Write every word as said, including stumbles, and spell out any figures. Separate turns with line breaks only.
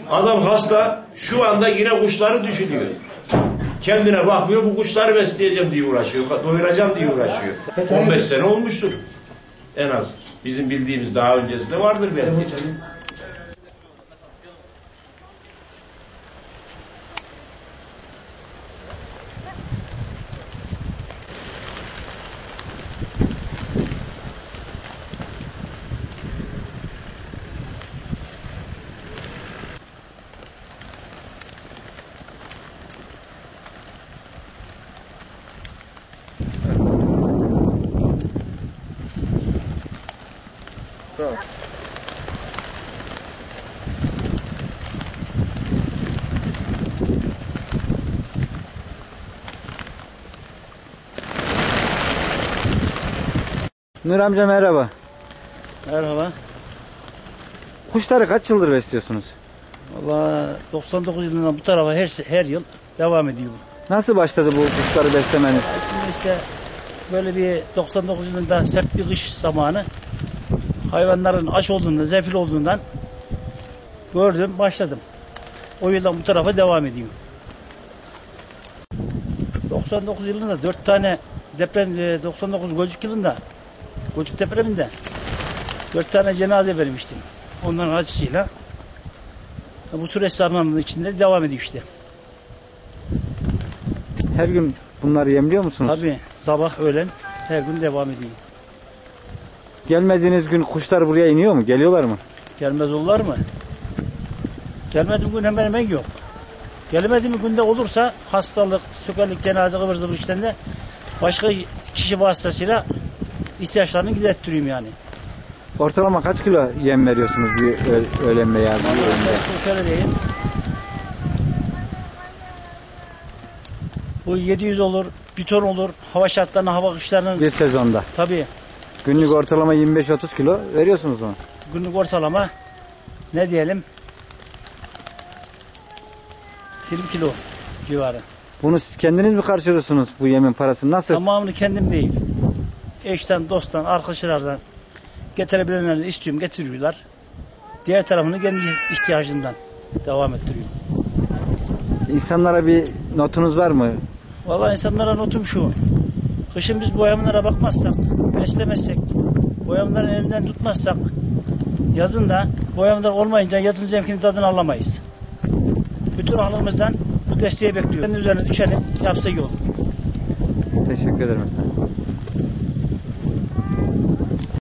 Adam hasta, şu anda yine kuşları düşünüyor. Kendine bakmıyor, bu kuşları besleyeceğim diye uğraşıyor, doyuracağım diye uğraşıyor. on beş sene olmuştur en az. Bizim bildiğimiz daha öncesinde vardır belki.
Tamam.
Nur amca merhaba.
Merhaba.
Kuşları kaç yıldır besliyorsunuz?
Valla doksan dokuz yılından bu tarafa her her yıl devam ediyor.
Nasıl başladı bu kuşları beslemeniz?
Şimdi işte böyle bir doksan dokuz yılında sert bir kış zamanı hayvanların aç olduğundan, zefil olduğundan gördüm, başladım. O yıldan bu tarafa devam ediyor. doksan dokuz yılında dört tane deprem, doksan dokuz Gölcük yılında, Gölcük depreminde dört tane cenaze vermiştim. Onların acısıyla bu süreç zarfının içinde devam ediyor işte.
Her gün bunları yemliyor musunuz?
Tabii sabah öğlen her gün devam ediyor.
Gelmediğiniz gün kuşlar buraya iniyor mu? Geliyorlar mı?
Gelmez olurlar mı? Gelmediğim gün hemen hemen yok. Gelmediğim günde olursa hastalık, sökerlik, cenaze, kıvır zıvır işlerinde başka kişi vasıtasıyla ihtiyaçlarını giderttireyim yani.
Ortalama kaç kilo yem veriyorsunuz bir öğlen veya bir öğünde?
Şöyle diyeyim. Bu yedi yüz olur, bir ton olur. Hava şartlarına, hava kışlarının...
Bir sezonda.
Tabii.
Günlük ortalama yirmi beş otuz kilo veriyorsunuz mu?
Günlük ortalama ne diyelim? yirmi kilo civarı.
Bunu siz kendiniz mi karşılıyorsunuz bu yemin parasını? Nasıl?
Tamamını kendim değil. Eşten, dosttan, arkadaşlardan getirebilenlerden istiyorum, getiriyorlar. Diğer tarafını kendi ihtiyacından devam ettiriyorum.
İnsanlara bir notunuz var mı?
Vallahi insanlara notum şu. Kışın biz bu hayvanlara bakmazsak, beslemezsek, bu hayvanların elinden tutmazsak, yazın da bu hayvanlar olmayınca yazın zevkini tadını alamayız. Bütün aklımızdan bu desteği bekliyoruz. Üzerine düşelim, yapsa iyi olur.
Teşekkür ederim efendim.